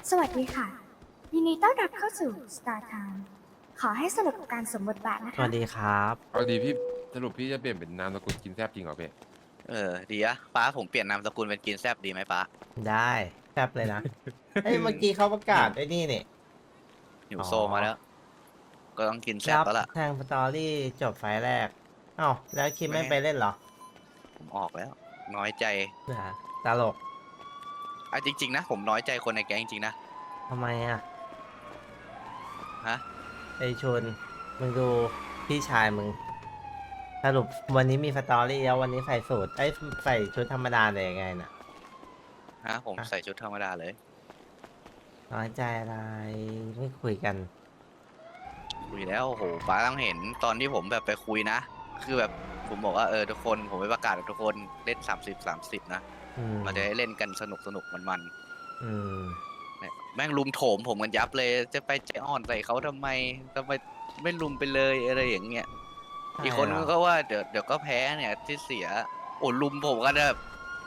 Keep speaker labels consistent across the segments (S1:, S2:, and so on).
S1: สวัสดีค่ะ ยินดีต้อนรับเข้าสู่ Star Time ขอให้สนุกกับการสวมบทบาทนะ
S2: ส
S1: คะ
S2: วัสดีครับ
S3: เอาดีพี่สรุปพี่จะเปลี่ยนเป็นนามสกุลกินแซบจริงเหรอพี่
S4: ดีอะป้าผมเปลี่ยนนามสกุลเป็นกินแซบดีไหมป้า
S2: ได้แป๊บเลยนะ เอ้ยเมื่อกี้เขาประกาศไอ้นี่นี่
S4: หิ
S2: อ๋
S4: ว
S2: อ
S4: โซมาแล้ว ก็ต้องกินแซบ
S2: รับ
S4: แล้วล่ะ
S2: แทงสตอรี่จบไฟล์แรกเอ้าแล้วคิมไม่
S4: ไม่
S2: ไปเล่นเหรอ
S4: ผมออกแล้ว น้อยใจ
S2: นะตลก
S4: จริงๆนะผมน้อยใจคนในแก๊งจริงๆนะ
S2: ทำไมอ่ะ
S4: ฮะ
S2: ไอชนมึงดูพี่ชายมึง สรุปวันนี้มีสตอรี่แล้ววันนี้ใส่สูทไอ้ยใส่ชุดธรรมดาเลยยังไงน่ะ
S4: ผม
S2: ฮะ
S4: ใส่ชุดธรรมดาเลย
S2: น้อยใจอะไรไม่คุยกัน
S4: คุยแล้วโอ้โหป้าต้องเห็นตอนที่ผมแบบไปคุยนะ คือแบบผมบอกว่าทุกคนผมไปประกาศกับทุกคนเล่น30 นะ
S2: อืม
S4: เราจะได้เล่นกันสนุกมัน
S2: อืม
S4: ๆเนี่ยแม่งลุมโถมผมกันยับเลย จะไปใจอ่อนใส่เขาทำไมไม่ลุมไปเลยอะไรอย่างเงี้ย อีกคน
S2: ใช่เหรอ
S4: ก็ว่าเดี๋ยวก็แพ้เนี่ยที่เสีย โอ้ลุมผมกันแบบ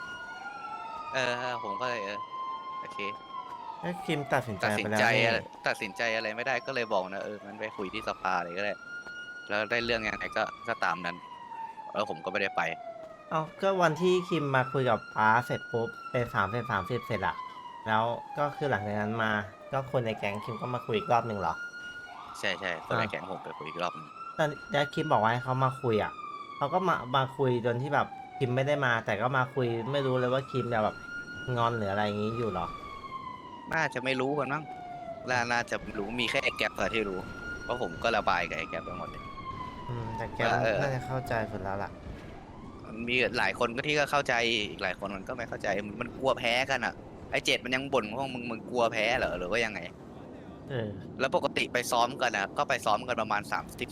S4: ผมก็เลยโอเค
S2: แล้วคิมตัดสินใจ
S4: ตัดสิ
S2: ไป
S4: น
S2: แล้ว
S4: ใจ
S2: นี่
S4: ตัดสินใจอะไรไม่ได้ก็เลยบอกนะงั้นไปคุยที่สภาเลยก็ได้แล้วได้เรื่องยังไงก็ตามนั้นแล้วผมก็ไม่ได้ไป
S2: เอาก็วันที่คิมมาคุยกับป้าเสร็จปุ๊บเป็น30เสร็จอะแล้วก็คือหลังจากนั้นมา ก็คนในแก๊งคิมก็มาคุยอีกรอบหนึ่งเหรอ
S4: ใช่คนในแก๊งผมไปคุยอีกรอบนึง
S2: ตอนแล้วคิมบอกว่าให้เขามาคุยอะเขาก็มาคุยจนที่แบบคิมไม่ได้มา แต่ก็มาคุยไม่รู้เลยว่าคิมจะแบบงอนหรืออะไรอย่างงี้อยู่เหรอ
S4: น่าจะไม่รู้กันมั้งน่าจะรู้มีแค่ไอ้แก๊ปเท่าที่รู้เพราะผมก็ระบายกับไอ้แก๊ปไปหมดเลย
S2: แต่แก
S4: ว่า
S2: น่าจะเข้าใจสุดแล้วล่ะ
S4: มันมีหลายคนก็ที่ก็เข้าใจอีกหลายคนมันก็ไม่เข้าใจมันกลัวแพ้กันอ่ะไอ้เจ็ดมันยังบ่นว่ามึงกลัวแพ้เหรอหรือว่ายังไง
S2: เออ
S4: แล้วปกติไปซ้อมกันนะก็ไปซ้อมกันประมาณ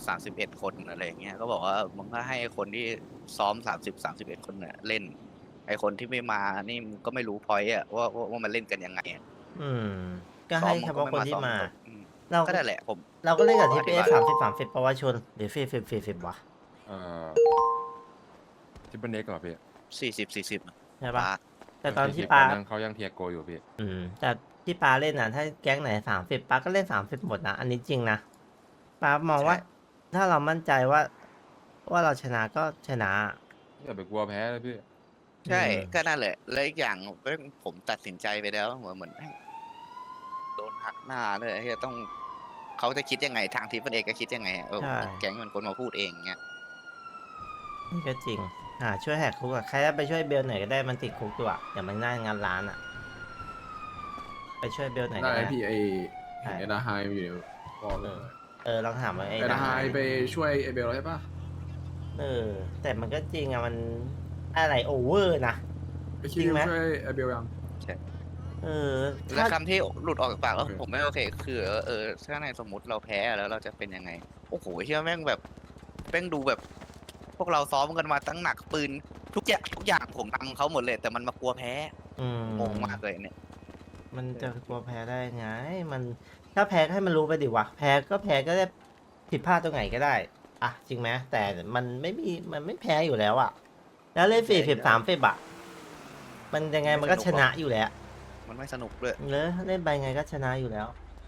S4: 31 คนอะไรอย่างเงี้ยก็บอกว่ามึงก็ให้คนที่ซ้อม31 คนเนี่ยเล่นไอคนที่ไม่มานี่มึงก็ไม่รู้พอยต์อะว่ามันเล่นกันยังไงอะ
S2: อืม ก็ให้เฉพาะคนที่มา เรา
S4: ก็ได้แหละผม
S2: เราก็เล่นกับที่
S4: อ
S2: เป
S4: ธิบาย
S2: 30เพราะว่าชนหรือ40วะ
S3: เอ่อทิปเปิลเน็กเหรอพี่
S4: 40
S2: ใช่ปะ
S4: ป้า
S2: แต่ตอนที่
S3: 40
S2: ปา
S3: นั่งเขายังเทียโกอยู่พี่
S2: แต่ที่ปาเล่นน่ะ ถ้าแก๊งไหน30ปาก็เล่น30หมดนะ อันนี้จริงนะปามองว่า ถ้าเรามั่นใจว่าเราชนะก็ชนะ
S3: อย่าไปกลัวแพ้เลยพี่
S4: ใช่
S2: อืม
S4: ก็นั่นแหละแล้วอีกอย่างผมตัดสินใจไปแล้วเหมือนโดนหักหน้าเลยที่จะต้องเขาจะคิดยังไงทางทีมเอกก็คิดยังไงอะแก๊งมันคนมาพูดเองเงี้ย
S2: นี่ก็จริงช่วยแหกคุกอะใครจะไปช่วยเบลหน่อยก็ได้มันติดคุกอยู่อะอย่ามันหน้างานร้านอะไปช่วยเบลหน่อย
S5: ได้
S2: ก็ได้
S5: พี่ไอ
S2: ใช่
S5: เห็นเอดาไฮอยู่ในวอลเลย
S2: ลองถามว่าไอ้
S5: เอดาไฮ
S2: ดา
S5: ไปช่วยไอเบลแล้วใช่ปะ
S2: แต่มันก็จริงอะมันอะไรโอเวอร์นะ
S5: ไปคิ
S2: จริ
S5: ว
S2: งไหม
S5: ช่วยไอเบลยัง
S4: แล้ว
S2: ถ้า
S4: คำที่หลุดออกจากปากแล้ว
S5: โอเค
S4: ผมไม่โอเค คือถ้าในสมมติเราแพ้แล้วเราจะเป็นยังไง โอ้โหเชื่อแม่งแบบแม่งดูแบบ พวกเราซ้อมกันมาตั้งหนักปืนทุกอย่างผมนำเขาหมดเลยแต่มันมากลัวแพ้
S2: อืม
S4: งงมากเลยเนี่ย
S2: มันจะกลัวแพ้ได้ไง มันถ้าแพ้ก็ให้มันรู้ไปดิวะแพ้ก็แพ้ก็ได้ผิดพลาดตรงไหนก็ได้อะจริงไหมแต่มันไม่แพ้อยู่แล้วอะแล้วเล่น40 30อะมันยังไงมันก็ชนะอยู่แล้ว
S4: มันไม่สนุกด้วย
S2: เลยเล่นไปไงก็ชนะอยู่แล้ว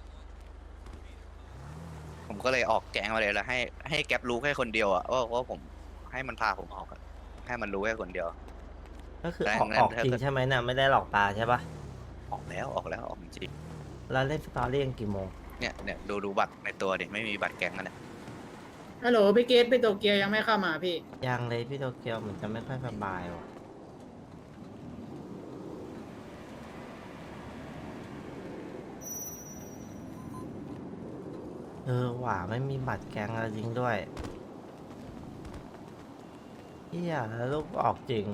S4: ผมก็เลยออกแกงมาเลยแล้วให้แก๊ปรู้แค่คนเดียวอะว่าผมให้มันพาผมออกอะให้มันรู้แค่คนเดียว
S2: ก็คือ
S4: ได้
S2: ออก
S4: งั้น
S2: ออก
S4: ถ้า
S2: จริง
S4: เกิด
S2: ใช่ไหมน่ะไม่ได้หลอกตาใช่ปะ
S4: ออกแล้วออกจริง
S2: แล้วเล่นสตอรี่กันกี่โมง
S4: เนี่ยดูบัตรในตัวดิไม่มีบัตรแก๊งกันเนี่ย
S6: ฮัลโหลพี่เกตพี่โตเกียวยังไม่เข้ามาพี่
S2: ยังเลยพี่โตเกียวเหมือนจะไม่ค่อยสบายว่ะหว่าไม่มีบัตรแกงอะไรจริงด้วยเฮียแล้วลูกออกจริง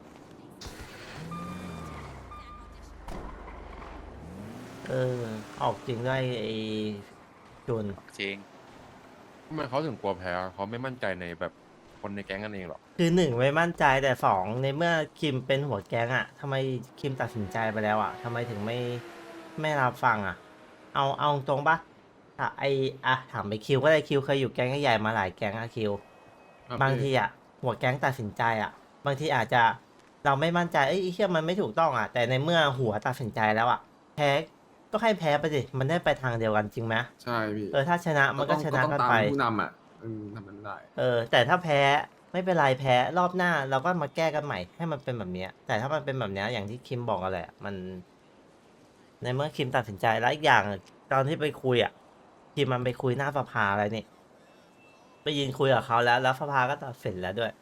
S2: ออกจริงด้วยไอ้จุน
S4: จริง
S3: ทำไมเขาถึงกลัวแพ้เขาไม่มั่นใจในแบบคนในแก๊งกันเองหรอ
S2: คือ1ไม่มั่นใจแต่2ในเมื่อคิมเป็นหัวแก๊งอะทำไมคิมตัดสินใจไปแล้วอะทำไมถึงไม่รับฟังอะเอาตรงปะถามไปคิวก็ได้คิวเคยอยู่แก๊งใหญ่ๆมาหลายแก๊งอะคิว
S5: ครับ
S2: บาง
S5: พี่
S2: ทีอะหัวแก๊งตัดสินใจอะบางทีอาจจะเราไม่มั่นใจไอ้เหี้ยมันไม่ถูกต้องอะแต่ในเมื่อหัวตัดสินใจแล้วอะแพ้ก็ให้แพ้ไปสิมันได้ไปทางเดียวกันจริงไหม
S5: ใช่พี่
S2: ถ้าชนะมันก็ชนะ
S5: ต้อง
S2: กัน
S5: ตาม
S2: ไป
S5: ผู้นำอ่ะทำมันไม่ได้
S2: แต่ถ้าแพ้ไม่เป็นไรแพ้รอบหน้าเราก็มาแก้กันใหม่ให้มันเป็นแบบเนี้ยแต่ถ้ามันเป็นแบบเนี้ยอย่างที่คิมบอกกันแหละมัน ในเมื่อคิมตัดสินใจแล้วอีกอย่างตอนที่ไปคุยอ่ะคิมมันไปคุยหน้าสภาอะไรนี่ไปยืนคุยกับเขาแล้วสภาก็ตัดสินแล้วด้วย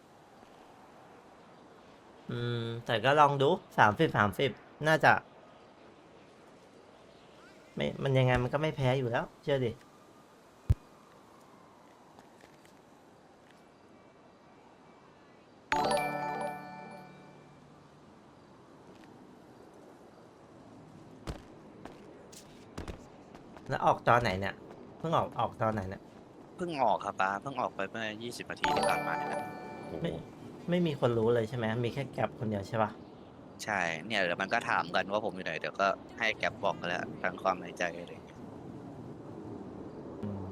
S2: แต่ก็ลองดู30 น่าจะ ไม่มันยังไงมันก็ไม่แพ้อยู่แล้ว เชื่อดิแล้วออกตอนไหนเนี่ยเพิ่งออกตอนไหนเนี่ย
S4: เพิ่งออกครับป้าเพิ่งออกไปเมื่อ20 นาทีที่ผ่านมาเนี่ยครับ
S3: โอ้โห
S2: ไม่มีคนรู้เลยใช่ไหมมีแค่แก็บคนเดียวใช่ปะ
S4: ใช่เนี่ยเดี๋ยวมันก็ถามกันว่าผมอยู่ไหนเดี๋ยวก็ให้แก็บบอกกันแล้วทั้งความในใจอะไรอย่างเงี้ย
S2: อืม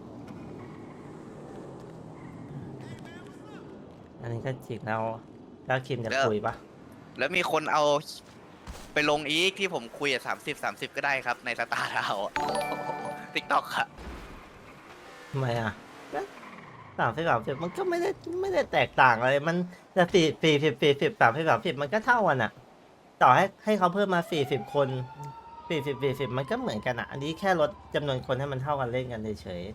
S2: อันนี้ก็จริงแล้วคิมจะคุยปะ
S4: แล้วมีคนเอาไปลงอีกที่ผมคุยอะ30 ก็ได้ครับในสตาร์ทาวติ๊กต็อกอะ
S2: ทำไมอ่ะ30 มันก็ไม่ได้แตกต่างอะไรมันจะ40 30มันก็เท่ากันอ่ะ ต่อให้เขาเพิ่มมา40 คน40มันก็เหมือนกันอ่ะ อันนี้แค่ลดจำนวนคนให้มันเท่ากันเล่นกันเฉย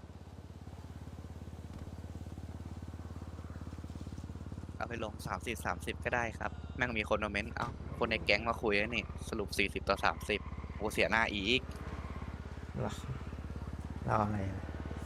S4: เอาไปลง30 ก็ได้ครับแม่งมีคนมาเมนต์เอ้าคนในแก๊งมาคุยแล้วนี่สรุป40 ต่อ 30โอ้เสียหน้าอีก
S2: ๆเราอะไรอะ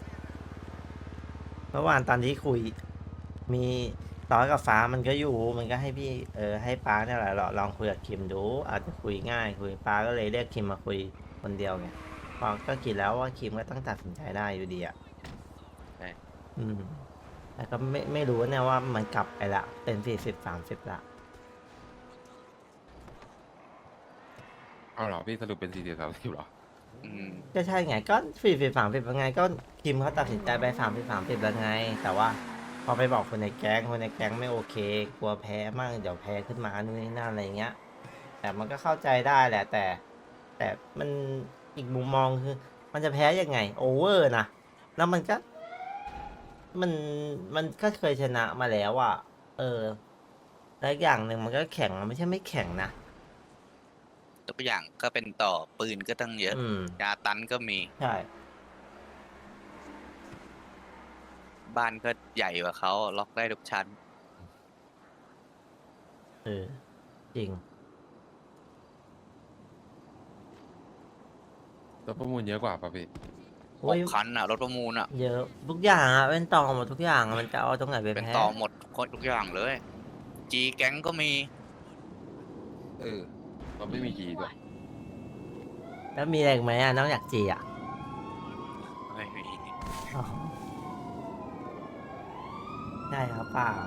S2: เมื่อวานตอนที่คุย มีต่อกับฟ้ามันก็อยู่มันก็ให้พี่ให้ป้าเนี่ยแหละลองคุยกับคิมดู อาจจะคุยง่ายคุยป้าก็เลยเรียกคิมมาคุยคนเดียวไงเพราะก็คิดแล้วว่าคิมก็ต้องตัดสินใจได้อยู่ดีอ่ะ
S4: ใช่
S2: แต่ก็ไม่รู้เนี่ยว่ามันกลับไปละเป็น40 30ละ
S3: เอาเหรอพี่สรุปเป็น40 30เหรอ
S4: อืม
S2: ก็ใช่ไงก็40 30ยังไงก็คิมเขาตัดสินใจไป30 แล้วไง แต่ว่าพอไปบอกคนในแก๊งไม่โอเค กลัวแพ้มั่งเดี๋ยวแพ้ขึ้นมานู่นนี่นั่นอะไรเงี้ย แต่มันก็เข้าใจได้แหละ แต่มันอีกมุมมองคือ มันจะแพ้ยังไงโอเวอร์นะแล้วมันก็เคยชนะมาแล้วอ่ะแล้วอย่างหนึ่งมันก็แข่งมันไม่ใช่ไม่แข่งนะ
S4: ตัวอย่างก็เป็นต่อปืนก็ตั้งเยอะ ยาตันก็มี
S2: ใช่
S4: บ้านก็ใหญ่กว่าเขาล็อกได้ทุกชั้น
S2: จริง
S3: แล้วประมูลเยอะกว่าป่ะพี่
S2: โอ้ย
S4: 6 คันอ่ะรถประมูลอ่ะ
S2: เยอะทุกอย่างอ่ะเป็นต่อหมดทุกอย่างอะมันจะเอาตรงไหนไป
S4: เป็น
S2: แพ้
S4: ต่อหมดคนทุกอย่างเลยจีแก๊งก็มี
S3: เราไม่มีกีด้วย
S2: แล้วมีอะไรอีกไหมอ่ะนอกจากจีอ่ะ
S4: ไม่มี
S2: อ๋อได้ครับเปล่า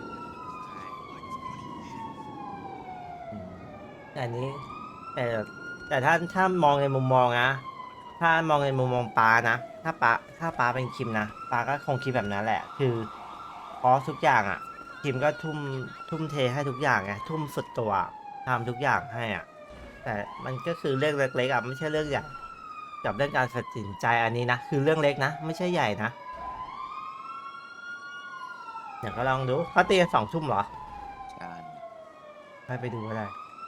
S2: แต่อันนี้แต่ถ้ามองในมุมมองนะถ้ามองในมุมมองป้านะถ้าป้าเป็นคิมนะป้าก็คงคิดแบบนั้นแหละ คือเพราะทุกอย่างอ่ะคิมก็ทุ่มเทให้ทุกอย่างไงทุ่มสุดตัวทำทุกอย่างให้อ่ะ แต่มันก็คือเรื่องเล็กๆอ่ะไม่ใช่เรื่องใหญ่กับเรื่องการตัดสินใจอันนี้นะคือเรื่องเล็กนะไม่ใช่ใหญ่นะเดี๋ยวก็ลองดูเขาตีกัน2 ทุ่มเหรอ
S4: ใช่
S2: ไปดูก็ได้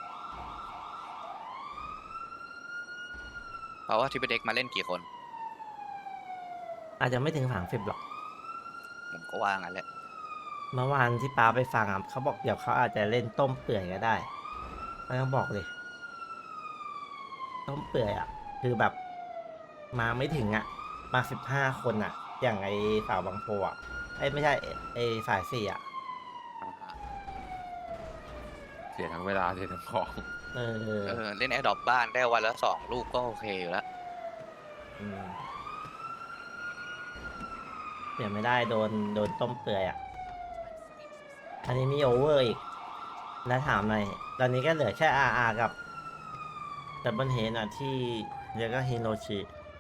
S4: เพราะว่าทีพีเด็กมาเล่นกี่คน
S2: อาจจะไม่ถึง30หรอก
S4: ผมก็ว่างั้นแหละ
S2: เมื่อวานที่ป้าไปฟังอ่ะเขาบอกเดี๋ยวเขาอาจจะเล่นต้มเปื่อยก็ได้ไม่ต้องบอกเลยต้มเปื่อยอ่ะ คือแบบมาไม่ถึงอ่ะมา15 คนอ่ะ อย่างไอ้สาวบางโพอ่ะไม่ใช่ไอ้ฝ่าย4อ่ะ
S3: เสียทั้งเวลาเสียทั้งของ
S4: เล่นแอร์ดรอปบ้านได้วันละ2 ลูกก็โอเคอยู่แล้ว
S2: เปลี่ยนไม่ได้โดนต้มเปื่อยอ่ะ อันนี้มีโอเวอร์อีก แล้วถามหน่อยตอนนี้ก็เหลือแค่ RR กับดับเบิลเฮดอ่ะที่แล้วก็ฮิโรชิ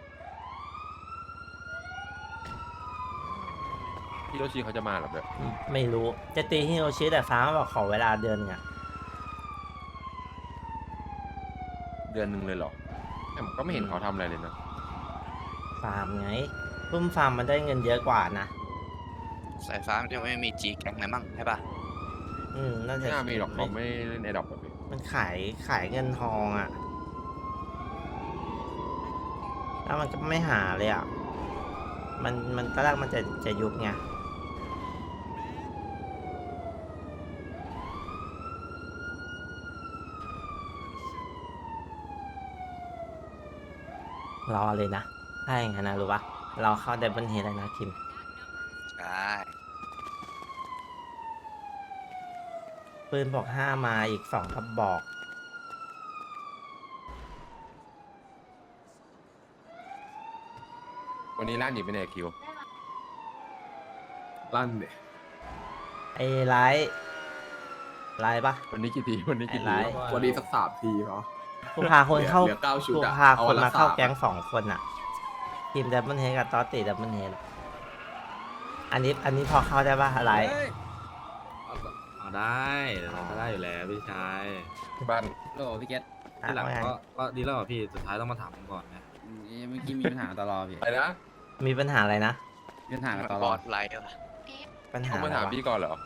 S3: พี่โรชิเขาจะมาเหรอแบบ
S2: ไม่รู้จะตีฮิโรชิแต่ฟ้าบอกขอเวลาเดือนนึงอ่ะ
S3: เดือนหนึ่งเลยเหรอแต่ผมก็ไม่เห็นเขาทำอะไรเลยนะ
S2: ฟาร์มไงรุ่มฟาร์มมันได้เงินเยอะกว่านะ
S4: สายฟ้ามันจะไม่มีจีแก๊งอะไรมั่งใช่ปะ
S2: น่าจะ
S3: ไม่น่ามีหรอกเขาไม่เล่นไอดอปแบบนี้
S2: มันขายเงินทองอ่ะ แล้วมันก็ไม่หาเลยอ่ะ มันตอนแรกมันจะยุบไง รอเลยนะถ้าอย่างนั้นนะรู้ปะเราเข้าเดบิวต์เฮดเลยนะคิม
S4: ใช่
S2: ปืนบอก5มาอีก2กระบอก
S3: วันนี้ล่านหนีไปไหนคิว
S5: ลั่นเนี่ย
S2: ไอ้ไลท์ปะ
S3: วันนี้กี่ทีวันนี้กี่
S2: ไอ้
S3: ที
S2: ไลท์
S5: วันนี้สัก3 ทีเนาะ
S2: กูพาคนเข้า
S5: เหลือ9ชุด
S2: กู
S5: อะ
S2: พา
S5: เอา
S2: ค
S5: วัน นละ
S2: มาเข้า
S5: 3
S2: แก๊ง2 คนอ่ะ ทีมเดบิวต์เฮดกับตอสติเดบิวต์เฮดอันนี้พอเข้าได้ปะไลท์
S7: ได้เราก็ได้อยู่แล้วพี่ชาย
S3: บ้าน
S7: โลพี่เกต
S2: อ่ะ
S7: ที่หลัง
S2: ว่าไง
S7: ก็ดีแล้วเหรอพี่สุดท้ายต้องมาถามผมก่อนนะเมื่อกี้มีปัญหาตลอดพี่
S3: อะไรนะ
S2: มีปัญหาอะไรนะ
S7: มีปัญหา
S4: มัน
S7: ต
S4: บ
S7: ล
S4: อ
S7: อด
S4: ดไลท์วะ
S2: ปัญหา
S3: เขามา
S2: อะไร
S3: ถาม
S2: วะ
S3: พี่ก่อนเหรอ